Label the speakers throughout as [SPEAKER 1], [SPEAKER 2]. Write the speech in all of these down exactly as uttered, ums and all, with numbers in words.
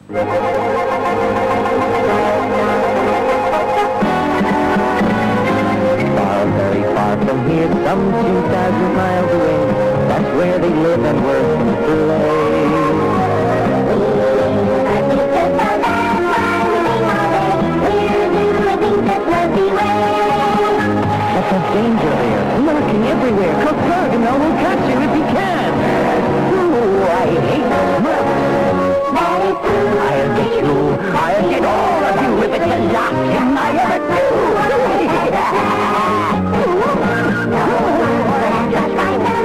[SPEAKER 1] Far, very far from here, some two thousand miles away, that's where they live and work and play. But there's danger there, lurking everywhere. Cockerganell will catch you if he can. Ooh, I hate smirks. I'll get you. I'll get all of you if it's the last thing I ever do. Just like the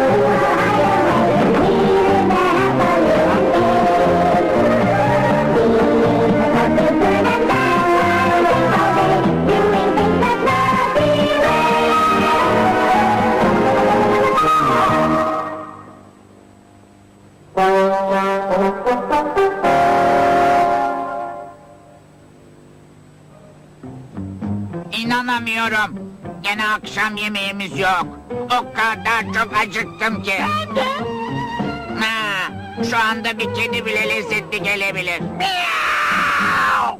[SPEAKER 2] İnanamıyorum. Gene akşam yemeğimiz yok. O kadar çok acıktım ki. Ha, şu anda bir kedi bile lezzetli gelebilir. Miau!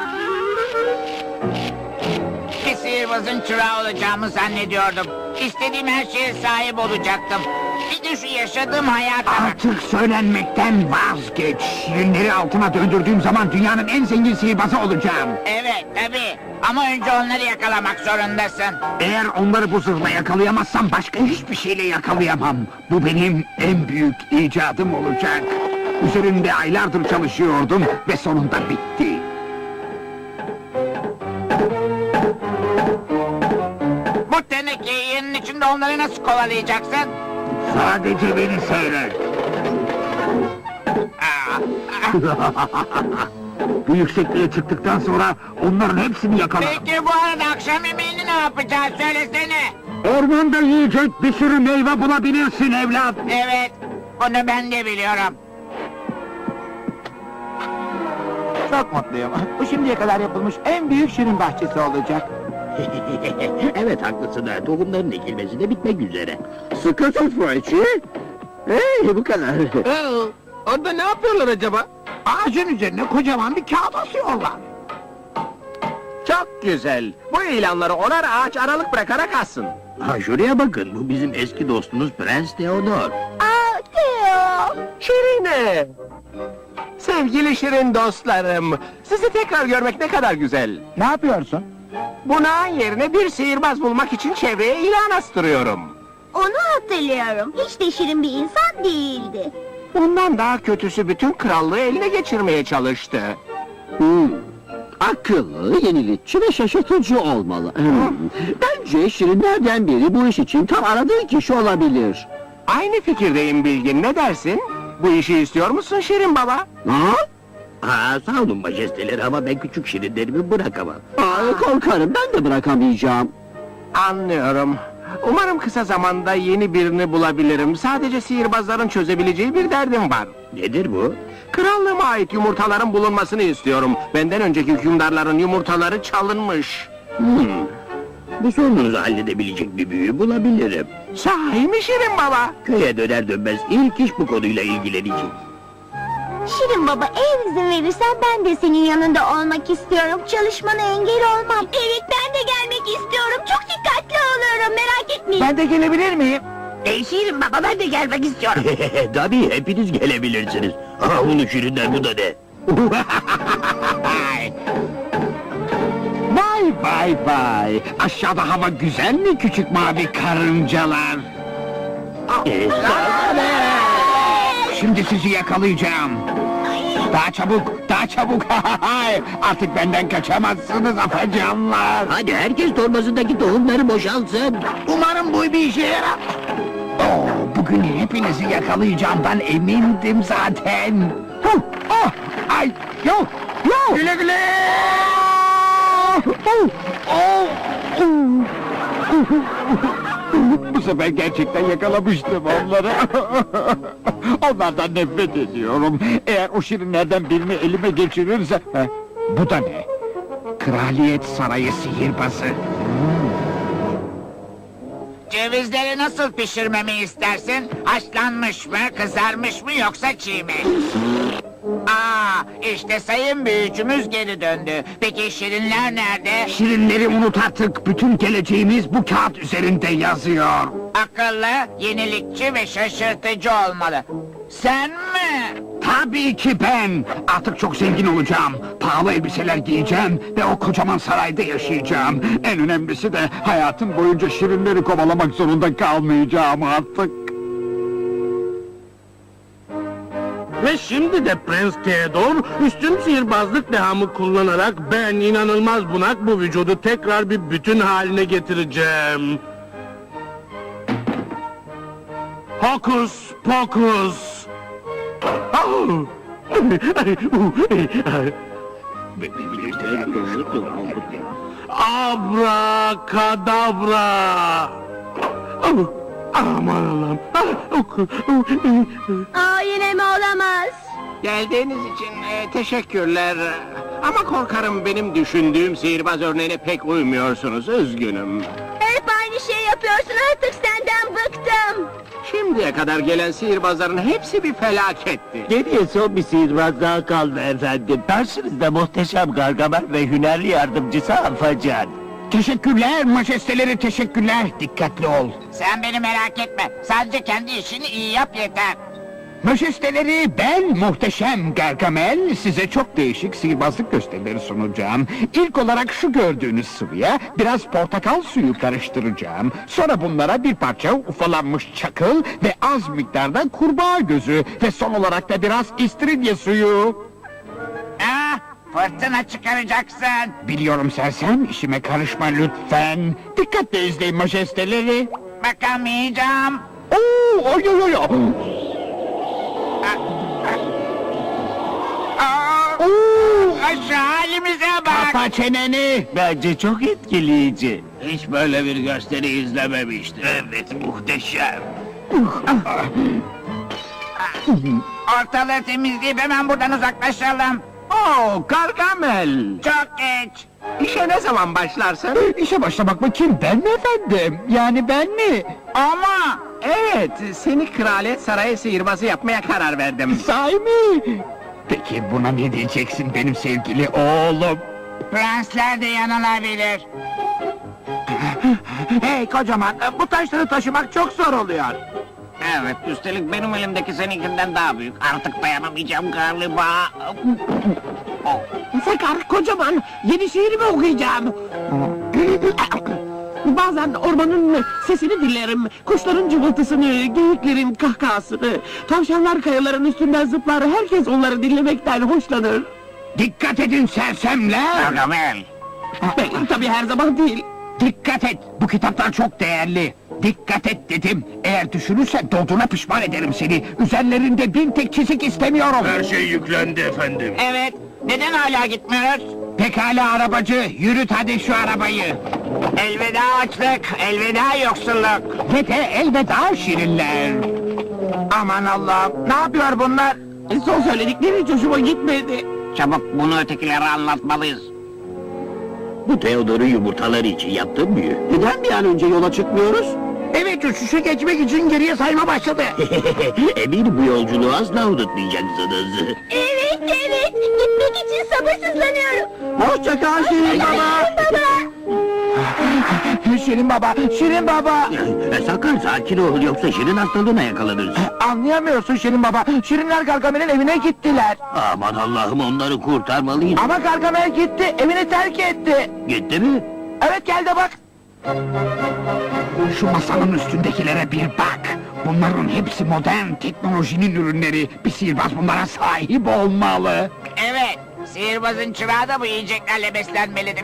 [SPEAKER 2] Bir sihirbazın çırağı olacağımı zannediyordum. İstediğim her şeye sahip olacaktım. Bir de şu yaşadığım hayata bak.
[SPEAKER 3] Artık söylenmekten vazgeç. Şirinleri altına döndürdüğüm zaman dünyanın en zengin sihirbazı olacağım.
[SPEAKER 2] Evet tabii. Ama önce onları yakalamak zorundasın.
[SPEAKER 3] Eğer onları bu zırhla yakalayamazsam başka hiçbir şeyle yakalayamam. Bu benim en büyük icadım olacak. Üzerinde aylardır çalışıyordum ve sonunda bitti.
[SPEAKER 2] Bu tenekeyi yerin içinde onları nasıl kovalayacaksın?
[SPEAKER 3] Sadece beni seyret.
[SPEAKER 2] Aa,
[SPEAKER 3] Bu yüksekliğe çıktıktan sonra onların hepsini yakalarım.
[SPEAKER 2] Peki bu arada akşam yemeğini ne yapacağız söylesene.
[SPEAKER 3] Ormanda yiyecek bir sürü meyve bulabilirsin evlat.
[SPEAKER 2] Evet, bunu ben de biliyorum.
[SPEAKER 4] Çok mutluyum. Bu şimdiye kadar yapılmış en büyük şirin bahçesi olacak.
[SPEAKER 5] Evet haklısın ha. Tohumların ekilmesi de bitmek üzere. Sıkı tut Froçi. Hey bu kadar.
[SPEAKER 4] Orada ne yapıyorlar acaba?
[SPEAKER 3] Ağacın üzerine kocaman bir kağıt asıyorlar.
[SPEAKER 4] Çok güzel. Bu ilanları onar ağaç aralık bırakarak assın.
[SPEAKER 5] Ha şuraya bakın. Bu bizim eski dostumuz Prens Theodor.
[SPEAKER 6] Aa, Theo!
[SPEAKER 4] Şirine! Sevgili şirin dostlarım, sizi tekrar görmek ne kadar güzel.
[SPEAKER 3] Ne yapıyorsun?
[SPEAKER 4] Buna yerine bir sihirbaz bulmak için çevreye ilan astırıyorum.
[SPEAKER 6] Onu hatırlıyorum. Hiç de şirin bir insan değildi.
[SPEAKER 4] Bundan daha kötüsü bütün krallığı eline geçirmeye çalıştı.
[SPEAKER 5] Hmm. Akıllı, yenilikçi ve şaşırtıcı olmalı. Hmm. Bence şirinlerden biri bu iş için tam aradığı kişi olabilir.
[SPEAKER 4] Aynı fikirdeyim Bilgin, ne dersin? Bu işi istiyor musun Şirin Baba?
[SPEAKER 5] Ha? Ha, sağ olun majesteleri ama ben küçük şirinlerimi bırakamam. Aa, korkarım ben de bırakamayacağım.
[SPEAKER 4] Anlıyorum. Umarım kısa zamanda yeni birini bulabilirim. Sadece sihirbazların çözebileceği bir derdim var.
[SPEAKER 5] Nedir bu?
[SPEAKER 4] Krallığıma ait yumurtaların bulunmasını istiyorum. Benden önceki hükümdarların yumurtaları çalınmış.
[SPEAKER 5] Hmm. Bu sorununuzu halledebilecek bir büyü bulabilirim.
[SPEAKER 4] Sahi mi Şirin Baba?
[SPEAKER 5] Köye döner dönmez ilk iş bu konuyla ilgilenecek.
[SPEAKER 6] Şirin baba, eğer izin verirsen ben de senin yanında olmak istiyorum. Çalışmana engel olmam. Evet, ben de gelmek istiyorum. Çok dikkatli oluyorum, merak etmeyin.
[SPEAKER 3] Ben de gelebilir miyim?
[SPEAKER 2] Ey Şirin baba ben de gelmek istiyorum.
[SPEAKER 5] Tabii hepiniz gelebilirsiniz. Aha bunu şirinden bu da ne?
[SPEAKER 3] Vay vay vay! Aşağıda hava güzel mi küçük mavi karıncalar?
[SPEAKER 5] Ee,
[SPEAKER 3] Şimdi sizi yakalayacağım. Daha çabuk, daha çabuk! Artık benden kaçamazsınız afacanlar!
[SPEAKER 5] Hadi herkes torbasındaki tohumları boşaltsın.
[SPEAKER 3] Umarım bu bir işe yarar. Oo, bugün hepinizi yakalayacağımdan emindim zaten. Huh, oh, ay, yok, yok! Güle güle! Oh, oh, oh. Bu sefer gerçekten yakalamıştım onları. Onlardan nefret ediyorum. Eğer o şirinlerden birini elime geçirirse... Heh, bu da ne? Kraliyet Sarayı sihirbazı.
[SPEAKER 2] Cevizleri nasıl pişirmemi istersin? Haşlanmış mı, kızarmış mı yoksa çiğ mi? Aa, işte sayın büyücümüz geri döndü. Peki şirinler nerede?
[SPEAKER 3] Şirinleri unut artık. Bütün geleceğimiz bu kağıt üzerinde yazıyor.
[SPEAKER 2] Akıllı, yenilikçi ve şaşırtıcı olmalı. Sen mi?
[SPEAKER 3] Tabii ki ben. Artık çok zengin olacağım. Pahalı elbiseler giyeceğim ve o kocaman sarayda yaşayacağım. En önemlisi de hayatım boyunca şirinleri kovalamak zorunda kalmayacağım artık.
[SPEAKER 7] Ve şimdi de Prens Theodor üstün sihirbazlık dehamı kullanarak ben inanılmaz bunak bu vücudu tekrar bir bütün haline getireceğim. Hokus pokus. Au! Abrakadabra. Au! Aman Allah'ım.
[SPEAKER 6] Aa yine mi olamaz?
[SPEAKER 4] Geldiğiniz için e, teşekkürler. Ama korkarım benim düşündüğüm sihirbaz örneğine pek uymuyorsunuz. Üzgünüm.
[SPEAKER 6] Hep aynı şey yapıyorsun, artık senden bıktım.
[SPEAKER 4] Şimdiye kadar gelen sihirbazların hepsi bir felaketti.
[SPEAKER 1] Geriye son bir sihirbaz daha kaldı efendim. Karşınızda muhteşem Gargamel ve hünerli yardımcısı Afacan.
[SPEAKER 3] Teşekkürler majesteleri, teşekkürler. Dikkatli ol.
[SPEAKER 2] Sen beni merak etme. Sadece kendi işini iyi yap yeter.
[SPEAKER 3] Majesteleri, ben muhteşem Gargamel size çok değişik sihirbazlık gösterileri sunacağım. İlk olarak şu gördüğünüz sıvıya biraz portakal suyu karıştıracağım. Sonra bunlara bir parça ufalanmış çakıl ve az miktarda kurbağa gözü ve son olarak da biraz istiridye suyu.
[SPEAKER 2] Ah, fırtına çıkaracaksın.
[SPEAKER 3] Biliyorum sersem, işime karışma lütfen. Dikkatle izleyin majesteleri.
[SPEAKER 2] Bakamayacağım.
[SPEAKER 3] Oo, oy oy oy.
[SPEAKER 2] Aa,
[SPEAKER 3] Oo,
[SPEAKER 2] şu halimize bak.
[SPEAKER 3] kapa çeneni.
[SPEAKER 1] Bence çok etkileyici.
[SPEAKER 5] Hiç böyle bir gösteri izlememiştim. Evet, muhteşem.
[SPEAKER 2] Ortalığı temizleyip hemen buradan uzaklaşalım.
[SPEAKER 4] Oo, Gargamel.
[SPEAKER 2] Çok geç.
[SPEAKER 4] İşe ne zaman başlarsın?
[SPEAKER 3] İşe başlamak mı kim, ben mi efendim? Yani ben mi?
[SPEAKER 2] Ama
[SPEAKER 4] Evet, seni kraliyet sarayı sihirbazı yapmaya karar verdim.
[SPEAKER 3] Sahi mi? Peki buna ne diyeceksin benim sevgili oğlum?
[SPEAKER 2] prensler de yanılabilir.
[SPEAKER 4] Hey kocaman, bu taşları taşımak çok zor oluyor.
[SPEAKER 5] Evet, üstelik benim elimdeki seninkinden daha büyük. Artık dayanamayacağım galiba.
[SPEAKER 4] Sakar, kocaman, yeni şiirimi okuyacağım. Bazen ormanın sesini dinlerim, kuşların cıvıltısını, geyiklerin kahkahasını. Tavşanlar kayaların üstünden zıplar, herkes onları dinlemekten hoşlanır.
[SPEAKER 3] Dikkat edin sersemler!
[SPEAKER 5] Gargamel.
[SPEAKER 4] Ben, tabii her zaman değil.
[SPEAKER 3] Dikkat et, bu kitaplar çok değerli. Dikkat et dedim, eğer düşürürsen doğduğuna pişman ederim seni. Üzerlerinde bir tek çizik istemiyorum.
[SPEAKER 7] şey yüklendi efendim.
[SPEAKER 2] Evet, neden hala gitmiyoruz?
[SPEAKER 3] Pekala arabacı, yürüt hadi şu arabayı.
[SPEAKER 2] Elveda açlık, elveda yoksulluk.
[SPEAKER 3] Ve de elveda şirinler.
[SPEAKER 4] Aman Allah'ım, ne yapıyor bunlar? Son söyledikleri hiç hoşuma gitmedi.
[SPEAKER 5] Çabuk bunu ötekilere anlatmalıyız.
[SPEAKER 1] Bu Theodor'un yumurtaları için yaptığım büyü.
[SPEAKER 5] Neden bir an önce yola çıkmıyoruz?
[SPEAKER 3] Evet, uçuşa geçmek için geriye sayma başladı.
[SPEAKER 1] Eminim bu yolculuğu asla unutmayacaksınız.
[SPEAKER 6] Evet, evet. Gitmek için sabırsızlanıyorum.
[SPEAKER 5] Hoşça kal Şirin Baba.
[SPEAKER 6] Baba.
[SPEAKER 3] Şirin baba, Şirin baba.
[SPEAKER 1] E, sakın sakin ol, yoksa Şirin hastalığına yakalanırsın.
[SPEAKER 3] Anlayamıyorsun Şirin baba, Şirinler Gargamel'in evine gittiler.
[SPEAKER 1] Aman Allah'ım, onları kurtarmalıyım.
[SPEAKER 3] Ama Gargamel gitti, evini terk etti.
[SPEAKER 1] Gitti mi?
[SPEAKER 3] Evet, gel de bak. Şu masanın üstündekilere bir bak. Bunların hepsi modern teknolojinin ürünleri. Bir sihirbaz bunlara sahip olmalı.
[SPEAKER 2] Evet, sihirbazın çırağı da bu yiyeceklerle beslenmelidir.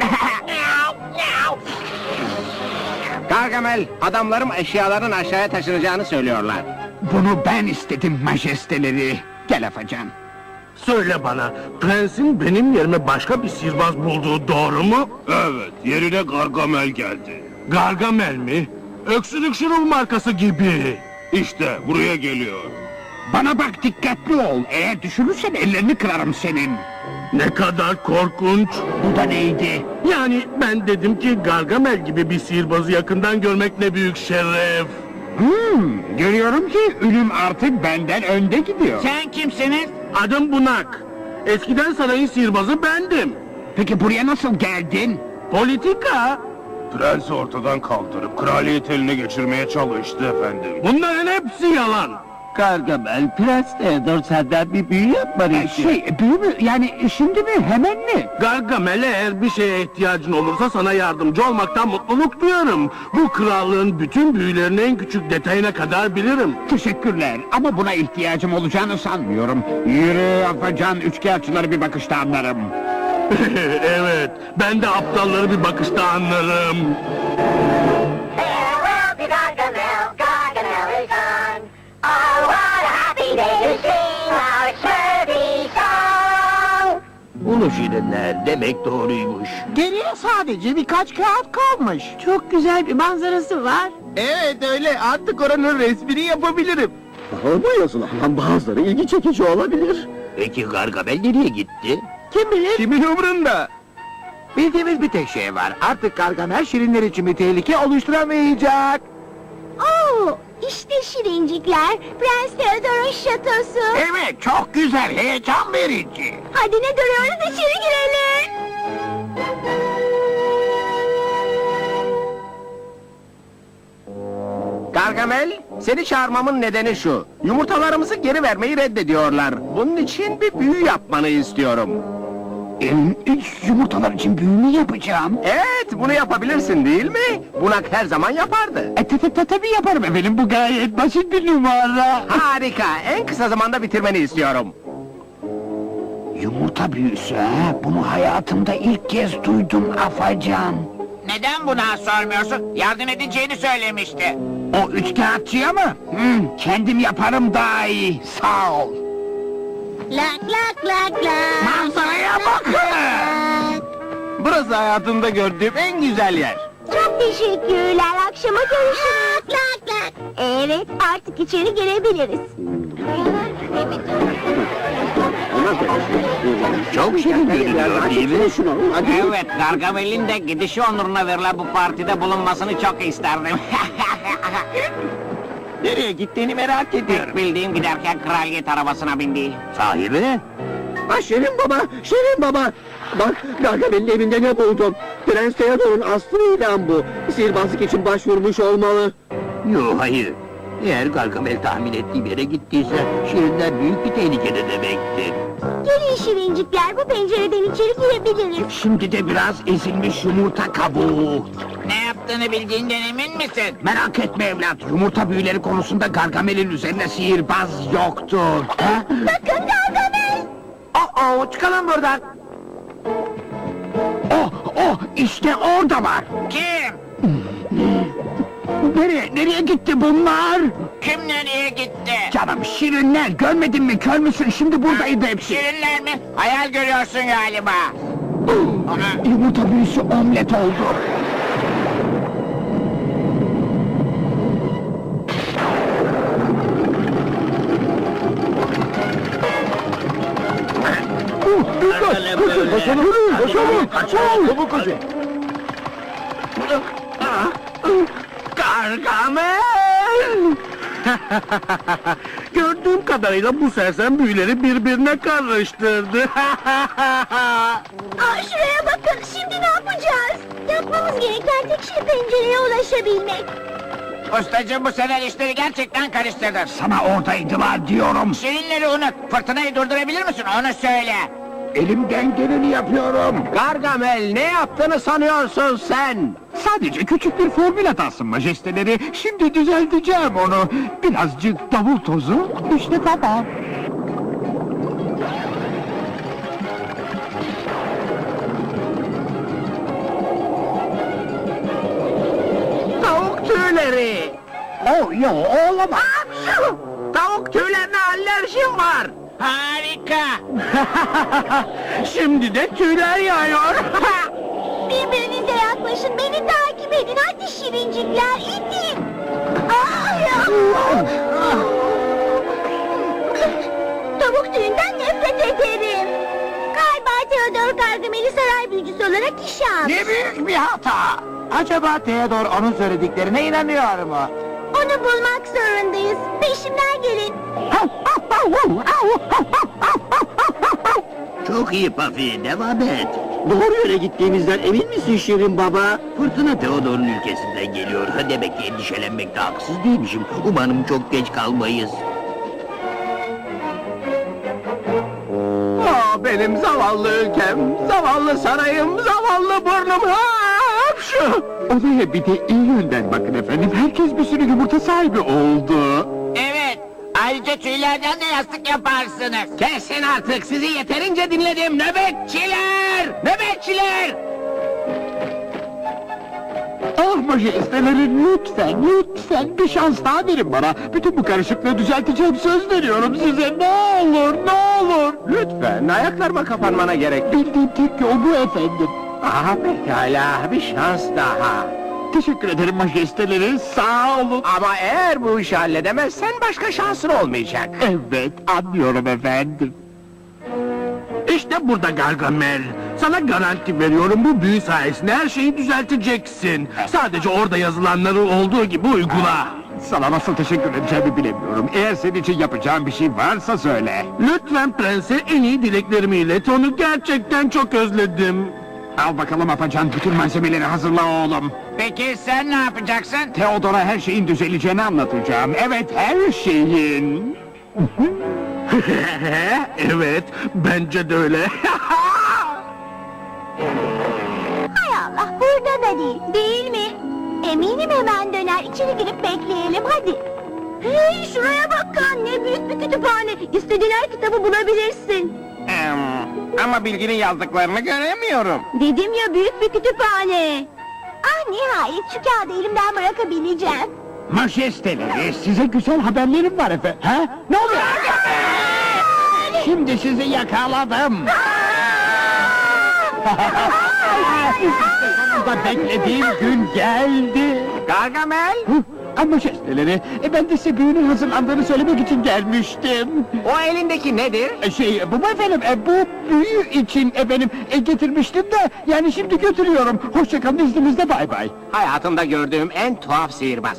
[SPEAKER 4] Gargamel, adamlarım eşyaların aşağıya taşınacağını söylüyorlar.
[SPEAKER 3] Bunu ben istedim majesteleri. Gel Afacan.
[SPEAKER 7] Söyle bana, prensin benim yerime başka bir sihirbaz bulduğu doğru mu? Evet, yerine Gargamel geldi. Gargamel mi? Öksürük şurubu markası gibi. İşte buraya geliyor.
[SPEAKER 3] Bana bak, dikkatli ol. Eğer düşürürsen ellerini kırarım senin.
[SPEAKER 7] Ne kadar korkunç.
[SPEAKER 3] Bu da neydi?
[SPEAKER 7] Yani ben dedim ki Gargamel gibi bir sihirbazı yakından görmek ne büyük şeref.
[SPEAKER 3] Hmm, görüyorum ki ölüm artık benden önde gidiyor.
[SPEAKER 2] Sen kimsiniz?
[SPEAKER 7] Adım Bunak. Eskiden sarayın sihirbazı bendim.
[SPEAKER 3] Peki buraya nasıl geldin?
[SPEAKER 7] Politika. Prensi ortadan kaldırıp kraliyet eline geçirmeye çalıştı efendim. Bunların hepsi yalan.
[SPEAKER 5] Gargamel, Prens Theodor senden bir büyü yapmanı
[SPEAKER 3] Ee,
[SPEAKER 5] istiyor.
[SPEAKER 3] şey, büyü mü? Yani şimdi mi? Hemen mi?
[SPEAKER 7] Gargamel, eğer bir şeye ihtiyacın olursa sana yardımcı olmaktan mutluluk duyarım. Bu krallığın bütün büyülerini en küçük detayına kadar bilirim.
[SPEAKER 3] Teşekkürler ama buna ihtiyacım olacağını sanmıyorum. Yürü Afacan, üçkağıtçıları bir bakışta anlarım.
[SPEAKER 7] Evet, ben de aptalları bir bakışta anlarım.
[SPEAKER 6] Farewell to Gargamel, Gargamel is gone. Oh, what a happy day to sing our Smurfy song.
[SPEAKER 5] Ulu şirinler demek doğruymuş.
[SPEAKER 4] Geriye sadece birkaç kağıt kalmış. Çok güzel bir manzarası var.
[SPEAKER 5] Evet öyle, artık oranın resmini yapabilirim. Ama yazılandan bazıları ilgi çekici olabilir. Peki Gargamel nereye gitti?
[SPEAKER 4] Kim bilir?
[SPEAKER 5] Kimin umrunda? Bildiğimiz bir tek şey var. Artık Gargamel şirinler için bir tehlike oluşturamayacak.
[SPEAKER 6] Oo, işte şirincikler, Prens Theodor'un şatosu.
[SPEAKER 3] Evet, çok güzel, heyecan verici.
[SPEAKER 6] Hadi ne duruyoruz, içeri girelim.
[SPEAKER 5] Gargamel, seni çağırmamın nedeni şu. Yumurtalarımızı geri vermeyi reddediyorlar. Bunun için bir büyü yapmanı istiyorum.
[SPEAKER 3] Em, yumurtalar için büyü mü yapacağım?
[SPEAKER 5] Evet, bunu yapabilirsin değil mi? Bunak her zaman yapardı.
[SPEAKER 3] E, te, te, tabii yaparım efendim, bu gayet basit bir numara.
[SPEAKER 5] Harika, en kısa zamanda bitirmeni istiyorum.
[SPEAKER 3] Yumurta büyüsü ha, bunu hayatımda ilk kez duydum Afacan.
[SPEAKER 2] Neden buna sormuyorsun? Yardım edeceğini söylemişti.
[SPEAKER 3] O üçkağıtçıya mı? Hmm, kendim yaparım daha iyi, sağ ol.
[SPEAKER 6] Lak lak lak lak.
[SPEAKER 3] Manzaraya bakın!
[SPEAKER 5] Burası hayatımda gördüğüm en güzel yer.
[SPEAKER 6] Çok teşekkürler, akşama görüşürüz. Lak lak. Evet, artık içeri girebiliriz.
[SPEAKER 5] Çok şirin görünüyor değil mi?
[SPEAKER 2] Evet, Gargamel'in de gidişi onuruna verilen bu partide bulunmasını çok isterdim.
[SPEAKER 5] Nereye gittiğini merak ediyorum.
[SPEAKER 2] Bildiğim giderken kraliyet arabasına bindi.
[SPEAKER 5] Sahibi? Ha Şirin baba, Şirin baba. Bak Gargamel'in evinde ne buldum? Prens Theodor'un aslı ilan bu. Sihirbazlık için başvurmuş olmalı. Yo hayır. Eğer Gargamel tahmin ettiğim yere gittiyse Şirinler büyük bir tehlikede demektir.
[SPEAKER 6] Gelin şirincikler, bu pencereden içeri girebiliriz.
[SPEAKER 3] Şimdi de biraz ezilmiş yumurta kabuğu.
[SPEAKER 2] Ne yaptığını bildiğinden emin misin?
[SPEAKER 3] Merak etme evlat, yumurta büyüleri konusunda Gargamel'in üzerine sihirbaz yoktur. Ha?
[SPEAKER 6] Bakın Gargamel.
[SPEAKER 3] Oh, çıkalım buradan. Oh, oh, işte orada var.
[SPEAKER 2] Kim?
[SPEAKER 3] Nereye, nereye gitti bunlar?
[SPEAKER 2] Kim nereye gitti?
[SPEAKER 3] Canım şirinler, görmedin mi, kör müsün? Şimdi buradaydı hepsi.
[SPEAKER 2] Şirinler mi? Hayal görüyorsun galiba. Ona...
[SPEAKER 3] Yumurta büyüsü omlet oldu.
[SPEAKER 5] Koşalım, koşalım, koşalım. Çabuk koşun.
[SPEAKER 7] Gargamel! Gördüğüm kadarıyla bu sersem büyüleri birbirine karıştırdı.
[SPEAKER 6] Aa, şuraya bakın, şimdi ne yapacağız? Yapmamız gereken tek şey pencereye ulaşabilmek.
[SPEAKER 2] Ustacığım, bu sefer işleri gerçekten karıştırdın.
[SPEAKER 3] Sana oradaydılar diyorum.
[SPEAKER 2] Şirinleri unut. Fırtınayı durdurabilir misin? Onu söyle.
[SPEAKER 3] Elimden geleni yapıyorum.
[SPEAKER 5] Gargamel ne yaptığını sanıyorsun sen?
[SPEAKER 3] Sadece küçük bir formül hatası majesteleri. Şimdi düzelteceğim onu. Birazcık davul tozu. İşte tamam.
[SPEAKER 5] Tavuk tüyleri.
[SPEAKER 3] Oh yo olamaz.
[SPEAKER 5] Tavuk tüylerine alerjim var.
[SPEAKER 2] Harika.
[SPEAKER 7] Şimdi de tüyler yağıyor.
[SPEAKER 6] Birbirinize yaklaşın, beni takip edin. Hadi şirincikler, itin. Aa, ya. Tavuk tüyünden nefret ederim. Galiba Theodor Gargamel'i saray büyücüsü olarak işe almış.
[SPEAKER 3] Ne büyük bir hata. Acaba Theodor onun söylediklerine inanıyor mu?
[SPEAKER 6] Onu bulmak zorundayız. Peşimden gelin.
[SPEAKER 5] Çok iyi Pafi, devam et. Doğru yöne gittiğimizden emin misin Şirin Baba? Fırtına Theodor'un ülkesinden geliyor. Demek ki endişelenmekte haksız değilmişim. Umarım çok geç kalmayız. Aa, benim zavallı ülkem, zavallı sarayım, zavallı burnum. Hapşu!
[SPEAKER 3] Olaya bir de iyi yönden bakın efendim. Herkes bir sürü yumurta sahibi oldu.
[SPEAKER 2] Evet. Ayrıca tüylerden de yastık yaparsınız.
[SPEAKER 5] Kesin artık, sizi yeterince dinledim. Nöbetçiler! Nöbetçiler!
[SPEAKER 3] Ah majesteleri lütfen, lütfen bir şans daha verin bana. Bütün bu karışıklığı düzelteceğim, söz veriyorum size. Ne olur, ne olur.
[SPEAKER 5] Lütfen, ayaklarıma kapanmana gerek.
[SPEAKER 3] Bildiğim tek yol bu efendim.
[SPEAKER 5] Aha pekala, bir şans daha.
[SPEAKER 3] Teşekkür ederim majesteleri, sağ olun.
[SPEAKER 5] Ama eğer bu işi halledemezsen başka şansın olmayacak.
[SPEAKER 3] Evet, anlıyorum efendim.
[SPEAKER 7] İşte burada Gargamel. Sana garanti veriyorum, bu büyü sayesinde her şeyi düzelteceksin. Sadece orada yazılanları olduğu gibi uygula.
[SPEAKER 3] Sana nasıl teşekkür edeceğimi bilemiyorum. Eğer senin için yapacağım bir şey varsa söyle.
[SPEAKER 7] Lütfen prense en iyi dileklerimi ilet, onu gerçekten çok özledim.
[SPEAKER 3] Al bakalım Apacan, bütün malzemeleri hazırla oğlum.
[SPEAKER 2] Peki sen ne yapacaksın?
[SPEAKER 3] Theodor'a her şeyin düzeleceğini anlatacağım. Evet, her şeyin.
[SPEAKER 7] Evet, bence de öyle.
[SPEAKER 6] Hay Allah, burada da değil, değil mi? Eminim hemen döner, içeri girip bekleyelim, hadi. Hey, şuraya bak, ne büyük bir kütüphane. İstediğin her kitabı bulabilirsin.
[SPEAKER 5] Ama Bilgin'in yazdıklarını göremiyorum.
[SPEAKER 6] Dedim ya, büyük bir kütüphane. Ah, nihayet şu kağıdı elimden bırakabileceğim.
[SPEAKER 3] Majesteleri, size güzel haberlerim var efendim. Ha? Ne oluyor? Şimdi sizi yakaladım. Sonunda beklediğim gün geldi.
[SPEAKER 5] Gargamel,
[SPEAKER 3] Ama majesteleri, e, ben de size büyünün hazırlandığını söylemek için gelmiştim.
[SPEAKER 5] o elindeki nedir?
[SPEAKER 3] E, Şey, bu mu efendim, e, bu büyü için efendim e, getirmiştim de, yani şimdi götürüyorum. Hoşçakalın, izninizle, bay bay.
[SPEAKER 5] Hayatımda gördüğüm en tuhaf sihirbaz.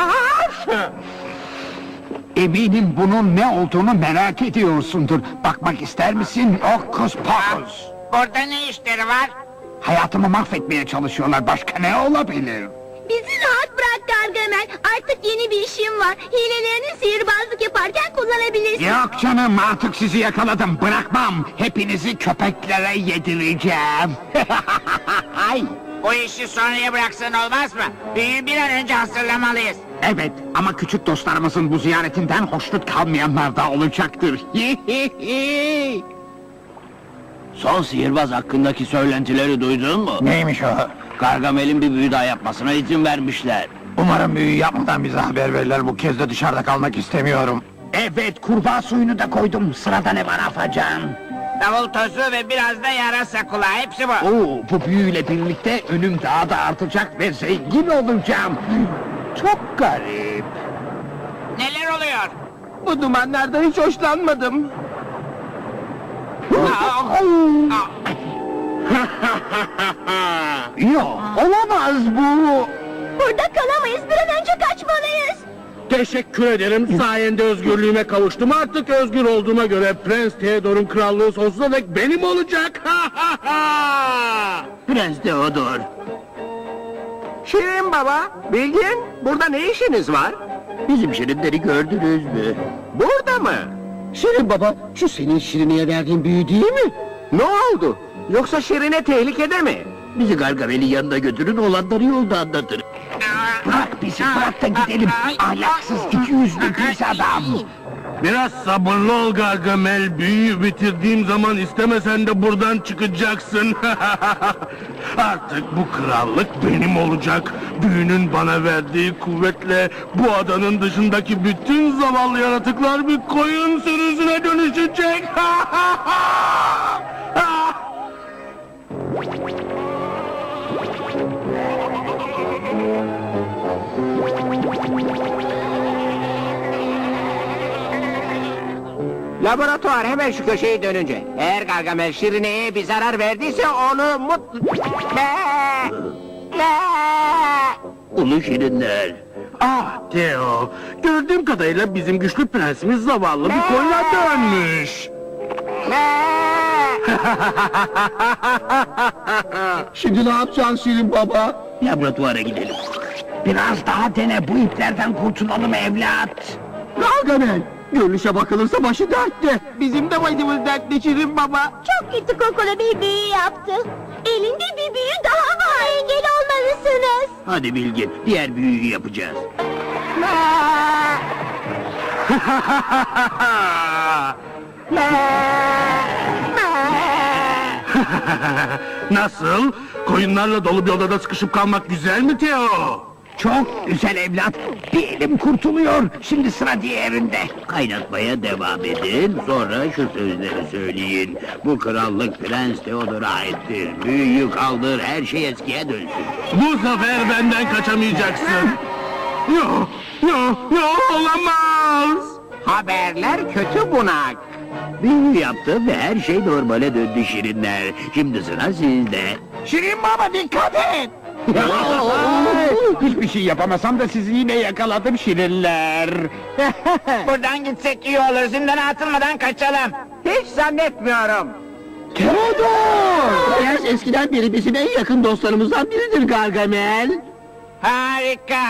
[SPEAKER 3] Eminim bunun ne olduğunu merak ediyorsundur. Bakmak ister misin? Okus pokus.
[SPEAKER 2] Burada ne işleri var?
[SPEAKER 3] Hayatımı mahvetmeye çalışıyorlar. Başka ne olabilir?
[SPEAKER 6] Bizi rahat bırak Gargamel. Artık yeni bir işim var. Hilelerini sihirbazlık yaparken kullanabilirsin.
[SPEAKER 3] Yok canım, artık sizi yakaladım. Bırakmam. Hepinizi köpeklere yedireceğim. Ay.
[SPEAKER 2] Bu işi sonraya bıraksan olmaz mı? Büyüyü bir an önce hazırlamalıyız.
[SPEAKER 3] Evet, ama küçük dostlarımızın bu ziyaretinden hoşnut kalmayanlar da olacaktır.
[SPEAKER 5] Son sihirbaz hakkındaki söylentileri duydun mu?
[SPEAKER 3] Neymiş o?
[SPEAKER 5] Gargamel'in bir büyü daha yapmasına izin vermişler.
[SPEAKER 3] Umarım büyü yapmadan bize haber verirler. Bu kez de dışarıda kalmak istemiyorum. Evet, kurbağa suyunu da koydum. Sırada ne var Afacan?
[SPEAKER 2] Davul tozu ve biraz da yarasa kulağı, hepsi bu.
[SPEAKER 3] Oo, bu büyüyle birlikte önüm daha da artacak ve zengin olacağım. Çok garip.
[SPEAKER 2] Neler oluyor?
[SPEAKER 5] Bu dumanlardan hiç hoşlanmadım.
[SPEAKER 3] Yok, olamaz bu.
[SPEAKER 6] Burada kalamayız. Bir an önce kaçmalıyız.
[SPEAKER 7] Teşekkür ederim, sayende özgürlüğüme kavuştum. Artık özgür olduğuma göre Prens Theodor'un krallığı sonsuza dek benim olacak.
[SPEAKER 5] Prens Theodor. Şirin baba, Bilgin, burada ne işiniz var? Bizim Şirinleri gördünüz mü? Burada mı? Şirin baba, şu senin Şirin'e verdiğin büyü değil mi? Ne oldu? Yoksa Şirin'e tehlikede mi? Bizi Gargamel'in yanına götürün, olanları yolda anlatırım.
[SPEAKER 3] Bırak bizi, bırak da gidelim. Ahlaksız, iki yüzlü pis adam.
[SPEAKER 7] Biraz sabırlı ol Gargamel, büyüyü bitirdiğim zaman istemesen de buradan çıkacaksın. Artık bu krallık benim olacak. Büyünün bana verdiği kuvvetle bu adanın dışındaki bütün zavallı yaratıklar bir koyun sürüsüne dönüşecek.
[SPEAKER 5] Laboratuvar hemen şu köşeyi dönünce. Eğer Gargamel Şirine'ye bir zarar verdiyse onu mutlu... Ne? Ne? Ulu Şirinler.
[SPEAKER 7] Ah Theo, gördüğüm kadarıyla bizim güçlü prensimiz zavallı bir koyuna dönmüş.
[SPEAKER 5] Ne? Şimdi ne yapacaksın Şirin Baba?
[SPEAKER 1] Laboratuvara gidelim. Biraz daha dene, bu iplerden kurtulalım evlat.
[SPEAKER 5] Gargamel, görünüşe bakılırsa başı dertte.
[SPEAKER 4] Bizim de başımız dertli Şirin Baba.
[SPEAKER 6] Çok kötü kokulu bir büyü yaptı. Elinde bir büyü daha var. Engel olmalısınız.
[SPEAKER 1] Hadi Bilgin, diğer büyüyü yapacağız.
[SPEAKER 7] Nasıl? Koyunlarla dolu bir odada sıkışıp kalmak güzel mi Teo?
[SPEAKER 1] Çok güzel evlat. Bir elim kurtuluyor. Şimdi sıra diğerinde. Kaynatmaya devam edin. Sonra şu sözleri söyleyin. Bu krallık Prens Theodor'a aittir. Büyüyü kaldır, her şey eskiye dönsün.
[SPEAKER 7] Bu sefer benden kaçamayacaksın. Yo, yo, yo olamaz.
[SPEAKER 2] Haberler kötü bunak.
[SPEAKER 1] Büyü yaptı ve her şey normale döndü şirinler. Şimdi sıra sizde.
[SPEAKER 3] Şirin Baba dikkat et! Hiçbir şey yapamasam da sizi yine yakaladım şirinler.
[SPEAKER 2] Buradan gitsek iyi olur. Zindana atılmadan kaçalım.
[SPEAKER 5] Hiç zannetmiyorum. Theodor! Prens eskiden beri bizim en yakın dostlarımızdan biridir Gargamel.
[SPEAKER 2] Harika.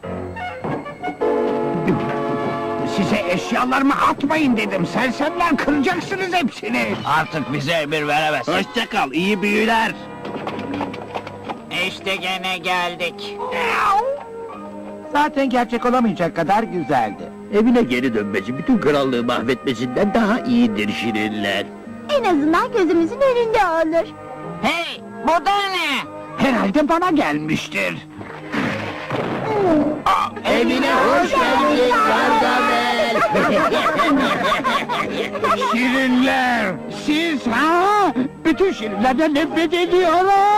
[SPEAKER 1] Size eşyalarımı atmayın dedim. Sersemler, kıracaksınız hepsini. Artık bize emir veremez. Hoşça kal, iyi büyüler.
[SPEAKER 2] İşte gene geldik.
[SPEAKER 1] Zaten gerçek olamayacak kadar güzeldi. Evine geri dönmesi bütün krallığı mahvetmesinden daha iyidir şirinler.
[SPEAKER 6] En azından gözümüzün önünde olur.
[SPEAKER 2] Hey, bu da ne?
[SPEAKER 1] Herhalde bana gelmiştir.
[SPEAKER 5] Evine hoş geldin Gargamel.
[SPEAKER 3] Şirinler! Siz ha? Bütün şirinlerden nefret ediyorum!